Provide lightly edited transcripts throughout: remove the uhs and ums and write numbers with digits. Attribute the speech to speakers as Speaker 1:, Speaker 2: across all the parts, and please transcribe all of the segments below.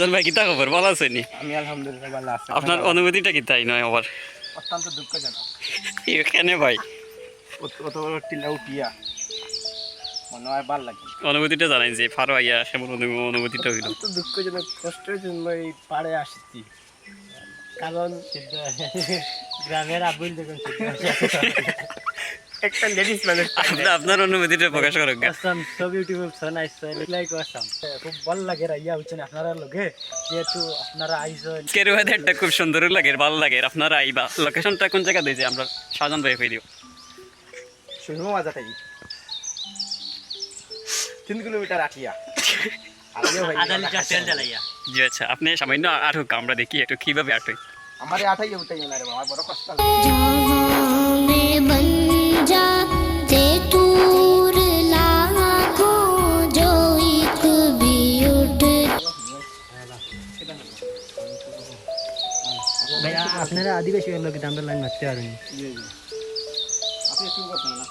Speaker 1: রাজন ভাই কিতা খবর ভালো আছেন?
Speaker 2: আমি আলহামদুলিল্লাহ ভালো আছি।
Speaker 1: আপনার অনুভূতিটা কিতাই নয় আবার
Speaker 2: অত্যন্ত দুঃখজনক।
Speaker 1: এখানে ভাই
Speaker 2: অত বড় টিলা উঠিয়া মনে হয় ভালো লাগে।
Speaker 1: অনুভূতিটা জানাই যে ফারো আইয়া কেমন অনুভূতিটা হইল।
Speaker 2: অত্যন্ত দুঃখজনক, কষ্টের জন্য এই পাড়ে আসছি। কারণ গ্রামের আবুল দেখুন একটা লেডিস মানুষ
Speaker 1: আপনার অনুভূতিটা প্রকাশ করুন।
Speaker 2: So beautiful, so nice, so like Assam. খুব ভালো লাগে রাইয়া হচ্ছেন আপনারা লগে, যেহেতু আপনারা আইসেন।
Speaker 1: কের ওয়েদারটা খুব সুন্দর লাগে, ভালো লাগে। আপনারা আইবা, লোকেশনটা কোন জায়গা দিয়েছে আমরা শাহজাহান ভাই কই দিও।
Speaker 2: শুনবো মাজা থাকি 3 কিলোমিটার আটিয়া আধা লিটার তেল জ্বালাইয়া।
Speaker 1: জি আচ্ছা, আপনি সামান্য আটক, আমরা দেখি একটু কিভাবে আটক।
Speaker 2: আমারে আঠাইয়া উঠাইয়া না রে বাবা, বড় কষ্ট লাগে।
Speaker 3: ভাই আপনারা আদিবাসী লোক আমরা লাইন মারতে পারেন।
Speaker 2: আপনি একটু করতেন না,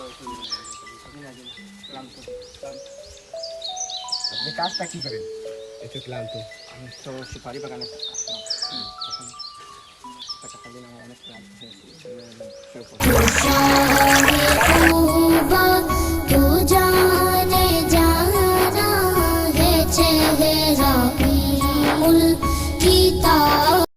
Speaker 2: আপনি কাজটা কি করেন?
Speaker 3: একটু ক্লান্ত।
Speaker 2: আমি তো সুপারি বাগানে আসলাম। টাকা দিন আমার অনেক ক্লান্ত হয়েছি।